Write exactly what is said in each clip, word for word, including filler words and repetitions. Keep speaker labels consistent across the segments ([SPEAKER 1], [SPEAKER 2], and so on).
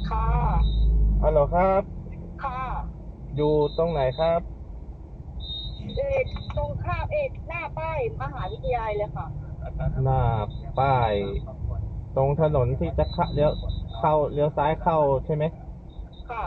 [SPEAKER 1] ค่ะ
[SPEAKER 2] ฮัลโหลครับ
[SPEAKER 1] ค่ะ
[SPEAKER 2] อยู่ตรงไหนครับ
[SPEAKER 1] เอกตรงข้ามเอกหน้าป้ายมหาวิทยาลัยเลยค่ะ
[SPEAKER 2] หน้าป้ายตรงถนนที่จะเข้าเลี้ยวเข้าเลี้ยวซ้ายเข้าใช่ไหม
[SPEAKER 1] ค่ะ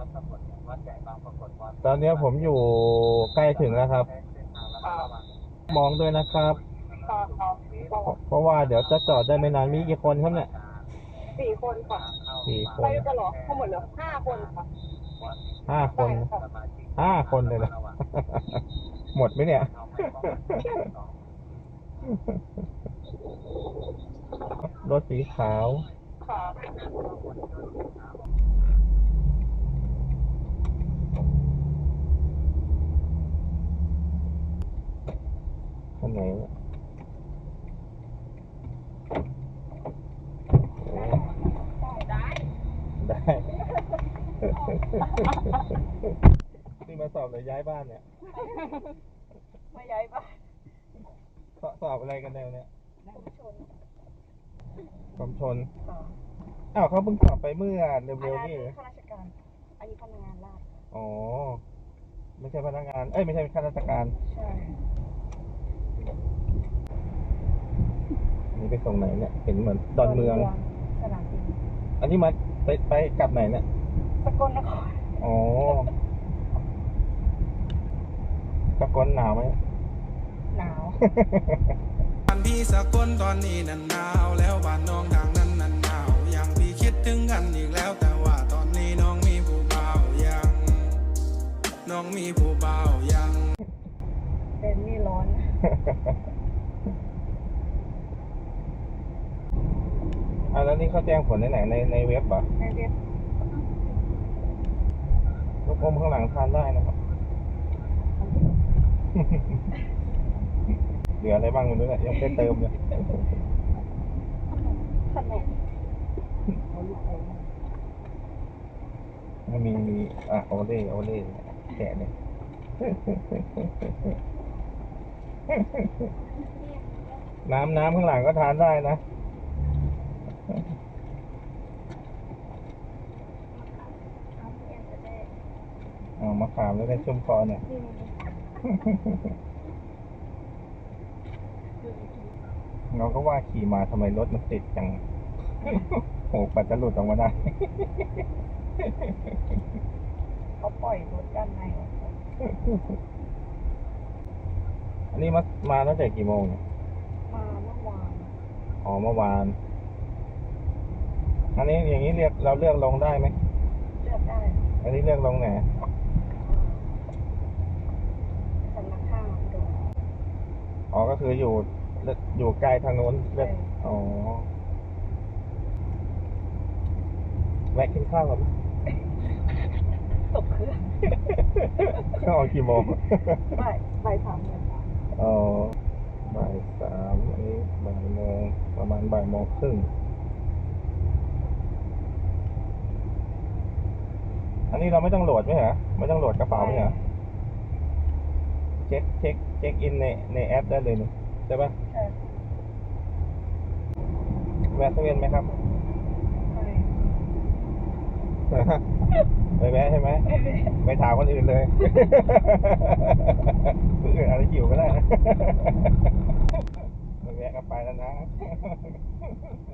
[SPEAKER 2] ตอนนี้ผมอยู่ใกล้ถึงแล้วครับ
[SPEAKER 1] ค่ะ
[SPEAKER 2] มองด้วยนะครับ
[SPEAKER 1] ค่ะค่ะ
[SPEAKER 2] เพราะเพราะว่าเดี๋ยวจะจอดได้ไม่นานมีกี่คนครับเนี่ย
[SPEAKER 1] สี่คนค่ะ
[SPEAKER 2] สี่ค
[SPEAKER 1] ไป
[SPEAKER 2] น
[SPEAKER 1] ด้วยกันเหรอทั้งหมดเหรอห้าคนค่ะ
[SPEAKER 2] ห้าคน
[SPEAKER 1] ได้ค่ะ
[SPEAKER 2] ห้าคนเลยนะหมดไหมเนี่ยรถสีขาว
[SPEAKER 1] ค่ะ
[SPEAKER 2] คันไหนเนี่ยโอ้
[SPEAKER 1] ได้
[SPEAKER 2] ได้ที่มาสอบเลยย้ายบ้านเนี่ย
[SPEAKER 1] ไม่ย้ายบ้าน
[SPEAKER 2] สอบสอบอะไรกันแนวเนี่ย
[SPEAKER 1] นั่งชน
[SPEAKER 2] ผมชน
[SPEAKER 1] ค่ะ
[SPEAKER 2] อ้าวเขาเพิ่งสอบไปเมื่อ
[SPEAKER 1] อันนั้
[SPEAKER 2] เร็วๆนี่
[SPEAKER 1] น
[SPEAKER 2] เหรอ
[SPEAKER 1] ข้าราชการอันนี้พนักงานราษฎร
[SPEAKER 2] อ๋อไม่ใช่พนักงานเอ้ยไม่ใช่ข้าราชการ
[SPEAKER 1] ใช่
[SPEAKER 2] อันนี้ไปส่งไหนเนี่ยเห็นเหมือนดอนเมือง
[SPEAKER 1] สนามบิน
[SPEAKER 2] อันนี้มาไปไปกลับไหนเนี่ย
[SPEAKER 1] สกลนคร
[SPEAKER 2] อ๋อสกลหนาวไหม
[SPEAKER 1] หนาว
[SPEAKER 3] บ้านพี่สกลตอนนี้นันหนาวแล้วบ้านน้องทางนั้นนันหนาวยังพี่คิดถึงกันอีกแล้วแต่ว่าตอนนี้น้องมีผู้บ่าวยังน้องมีผู้บ่าวยัง
[SPEAKER 1] เป็นนี่ร้อน
[SPEAKER 2] อ่าแล้วนี่เขาแจ้งผลในไหนในในเว็บเหรอ
[SPEAKER 1] ในเว็บ
[SPEAKER 2] ลูกอมข้างหลังทานได้นะครับ เหลืออะไรบ้างไม่รู้เนี่ยยังไม่ได้เติมเลย
[SPEAKER 1] ขนมเอาลูกอม
[SPEAKER 2] มันมีมีอ่ะโอเล่โอเล่แกะเลย น้ำน้ำข้างหลังก็ทานได้นะอ๋อมะขามแล้วได้ชุ่มคอเนี่ยเราก็ว่าขี่มาทำไมรถมันติดจัง โอ้ปัดจะหลุดออกมาได้
[SPEAKER 1] เขาปล่อยรถด้านในออกไป
[SPEAKER 2] อันนี้มามาตั้งแต่กี่โมงเนี่ย
[SPEAKER 1] มาเมื่อวาน
[SPEAKER 2] อ๋อเมื่อวาน อันนี้อย่างนี้เรียกเราเลือกลงได้ไหม
[SPEAKER 1] เลือกได้
[SPEAKER 2] อันนี้เลือกลงไหน
[SPEAKER 1] สำนักข้าวโดน
[SPEAKER 2] อ๋อก็คืออยู่อยู่ไกลทางโน้นเลือกอ๋อแวะกินข้าวก่อน
[SPEAKER 1] ตกเครื่อง
[SPEAKER 2] ข้าวออกกี่โมง
[SPEAKER 1] บ่ายบ่ายสามโมง
[SPEAKER 2] อ๋อบ่ายสามอันนี้บ่ายโมงประมาณบ่ายโมงครึ่งอันนี้เราไม่ต้องโหลดไหมเหรอไม่ต้องโหลดกระเป๋าไหมเหรอเช็คเช็คเช็คอินในในแอปได้เลยนี่ใช่ปะ
[SPEAKER 1] ใช่
[SPEAKER 2] แวะเซเว่นไหมครับ
[SPEAKER 1] ไป
[SPEAKER 2] ไปแวะใช่ไหมไปถามคนอื่นเลยคนอื่นอาจจะหิวก็ได้นะไปแวะกันไปแล้วนะ